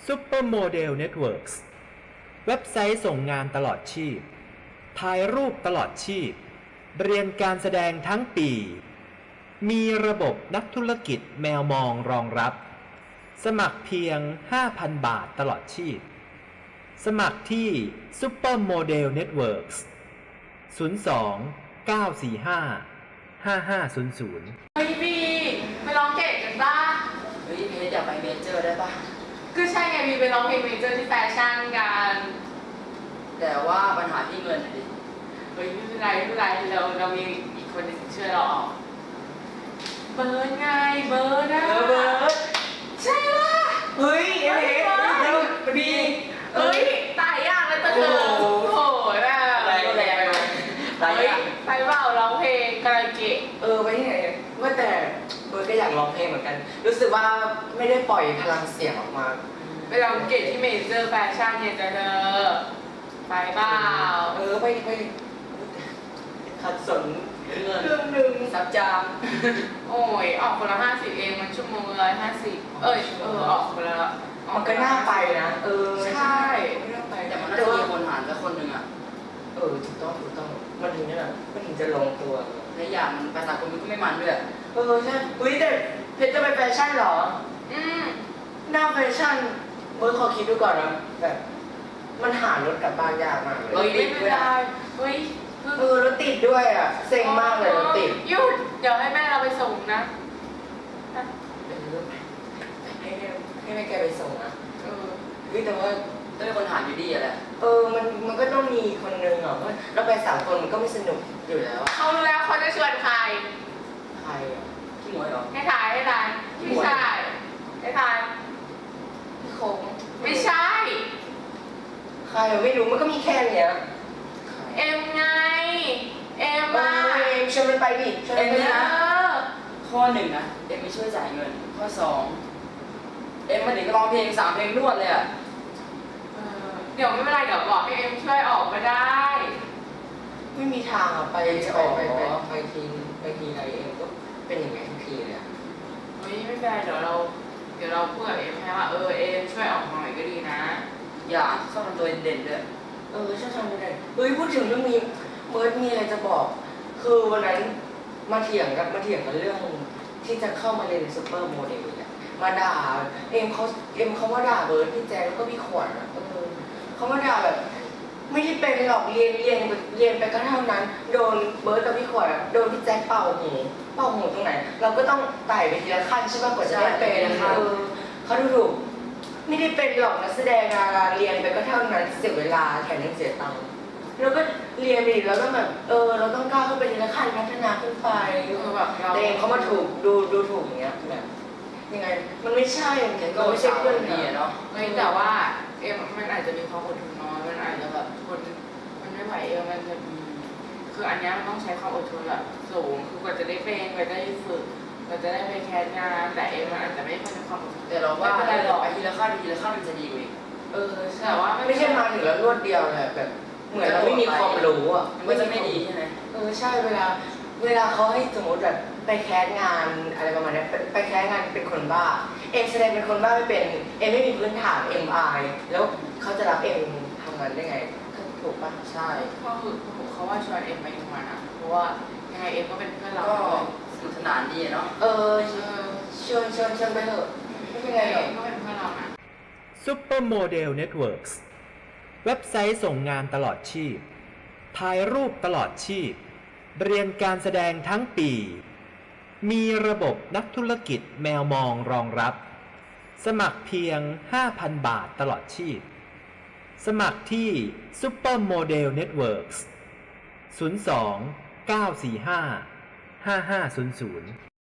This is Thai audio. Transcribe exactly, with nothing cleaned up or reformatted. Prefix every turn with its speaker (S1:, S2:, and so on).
S1: Supermodel Networks เว็บไซต์ส่งงานตลอดชีพถ่ายรูปตลอดชีพเรียนการแสดงทั้งปีมีระบบนักธุรกิจแมวมองรองรับสมัครเพียง ห้าพัน บาทตลอดชีพสมัครที่ Supermodel Networks ศูนย์ สอง เก้า สี่ ห้า ห้า ห้า ศูนย์ ศูนย์
S2: เฮ้ยบีไปร้องเกตกันป่ะ
S3: เฮ้ยเพชรอยากไปเมเจอร์ได้ป่ะ
S2: ก็ใช่ไงบีไปร้องเพลงเมเจอร์ที่แฟชั่นกัน
S3: แต่ว่าปัญหาที่เงินดิ
S2: เฮ้ยไม่เป็นไรไม่เป็นไรเราเรามีอีกคนนึงช่วยเราออกเบิร์ดไงเบิร์ดอะ
S3: เบิร์ด
S2: ใช่ป่ะ
S3: เฮ้ยเอ๊ะบี
S2: เฮ้ยตายยากเลยตัวเธอโอ้โหแบบ
S3: อะไรก็แรง
S2: ไปไปเปล่าร้องเพลงคาราโอเกะ
S3: เออไปที่ไหนว่าแต่เบิร์ดก็อยากร้องเพลงเหมือนกันรู้สึกว่าไม่ได้ปล่อยพลังเสียงออกมา
S2: ไปร้องเกตที่เมเจอร์แฟชั่นเนี่ยเธอไปเปล่า
S3: เออไปไปขัดสนเงินเรื่องหนึ่งซับจาม
S2: โอ้ยออกคนละห้าสิบเองมันชั่วโมงละห้าสิบเอ้ยเออออกคนละ
S3: มันก็น่าไปนะเออ
S2: ใช่
S3: น่าไปแต่มันน่าจะมีคนหารสักคนหนึ่งอ่ะเออถูกต้องถูกต้องมันถึงนี่แหละมันถึงจะลงตัวและอย่างมันภาษาคนมันก็ไม่มันด้วยเออใช่อุ้ยแต่เพชรจะไปแฟชั่นหรอ
S2: อืม
S3: หน้าแฟชั่นเมื่อขอคิดดูก่อนนะแบบมันหารถกลับบ้านยากมากเลย
S2: เฮ้ยไม่ได้เฮ้ย
S3: เออรถติดด้วยอ่ะเซ็งมากเลยรถติด
S2: หยุดเดี๋ยวให้แม่เราไปส่งนะ
S3: ให้ให้แม่แกไปส่งนะ
S2: เออ
S3: เฮ้ยแต่ว่าต้องมีคนหารอยู่ดีอะแหละเออมันมันก็ต้องมีคนนึงอ่ะเพราะเราไปสามคนมันก็ไม่สนุกอยู่แล้ว
S2: เขารู้แล้วเขาจะชวนใคร
S3: ใครอ่ะพี่หมวยเหรอ
S2: ให้ถ่ายให้ถ่ายไม่ใช่ให้ถ่าย
S3: พี่คง
S2: ไม่ใช่
S3: ใครไม่รู้มันก็มีแค่เนี้ย
S2: เอ็มไงเอ็มมา
S3: เอ็มชวนมันไปดิ
S2: เอ็มนะ
S3: ข้อหนึ่งนะเอ็มไม่ช่วยจ่ายเงินข้อสองเอ็มมาถึงก็ร้องเพลงสามเพลงรวดเลยอ่ะ
S2: เดี๋ยวไม่เป็นไรเดี๋ยวบอกให้เอ็มช่วยออกมาได้
S3: ไม่มีทางอ่ะไปจะออกไปไปทีไปทีไรเอ็มก็เป็นอย่างไงทุกทีเลยอ่ะ
S2: เฮ้ยไม่เป็นไรเดี๋ยวเราเดี๋ยวเราพูดกับเอ็มให้ว่าเออเอ็มช่วยออกมาหน่อยก็ดีนะ
S3: อย่าชอบทำตัวเด่นด้วยเออชอบทำตัวเด่นเฮ้ยพูดถึงเรื่องนี้เบิร์ดมีอะไรจะบอกคือวันนั้นมาเถียงกันมาเถียงกันเรื่องที่จะเข้ามาเรียนซูเปอร์โมเดลเนี่ยมาด่าเอ็มเขาเอ็มเขามาด่าเบิร์ดพี่แจ๊แล้วก็พี่ขวัญอ่ะเออเขามาด่าแบบไม่ได้เป็นหรอกเรียนเรียนเรียนไปก็เท่านั้นโดนเบิร์ดกับพี่ขวัญโดนพี่แจ๊เป่าหูเป่าหูตรงไหนเราก็ต้องไต่ไปทีละขั้นใช่ไหมกว่าจะได้เป็นเออเขาดูถูกไม่ได้เป็นหรอกนักแสดงดาราเรียนไปก็เท่านั้นเสียเวลาแถมยังเสียตังค์แล้วก็เรียนไปแล้วก็แบบเออเราต้องก้าวขึ้นไปทีละขั้นพัฒนาขึ้นไปแบบแต่เองเขามาถูกดูดูถูกอย่างเงี้ยแบบยังไงมันไม่ใช่มันไม่ใช่เพื่อนดีเนาะ
S2: ไม่แต่ว่าเอ็มมันอาจจะมีความอดทนน้อยมันอาจจะแบบทนมันไม่ไหวเออมันจะคืออันนี้มันต้องใช้ความอดทนแบบสูงคือกว่าจะได้เป็นกว่าจะได้ฝึกกว่าจะได้ไปแคสงานแต่เอ็มมันอาจจะไม่ค่อยมีความอดทน
S3: แต่เราว่าไปทีละขั้นทีละขั้นมันจะดีกว่า
S2: เออแต่ว่า
S3: ไม่ใช่มาถึงแล้วรวดเดียวเลยแบบเหมือนเราไม่มีความรู้อ่ะมันจะไม่ดีใช่ไหมเออใช่เวลาเวลาเขาให้สมมติแบบไปแคสงานอะไรประมาณนี้ไปแคสงานเป็นคนบ้าเอ็มแสดงเป็นคนบ้าไม่เป็นเอ็มไม่มีพื้นฐานเอ็มอายแล้วเขาจะรับเอ็มทำงานได้ไงถูกปะใช่
S2: เพราะคือเขาว่าชวนเอ็มไปทำงานอ่ะเพราะว่ายังไงเอ็มก็เป็นเพื่อนเรา
S3: ก็สนุกสนานดีเนาะเออชวนชวนชวนไปเถอะไม่เป็นไรหรอก
S2: ก็เป็นเพื่อนเรานะ
S1: Supermodel Networks เว็บไซต์ส่งงานตลอดชีพถ่ายรูปตลอดชีพเรียนการแสดงทั้งปีมีระบบนักธุรกิจแมวมองรองรับสมัครเพียง ห้าพัน บาทตลอดชีพสมัครที่ Supermodel Networks ศูนย์ สอง เก้า สี่ ห้า ห้า ห้า ศูนย์ ศูนย์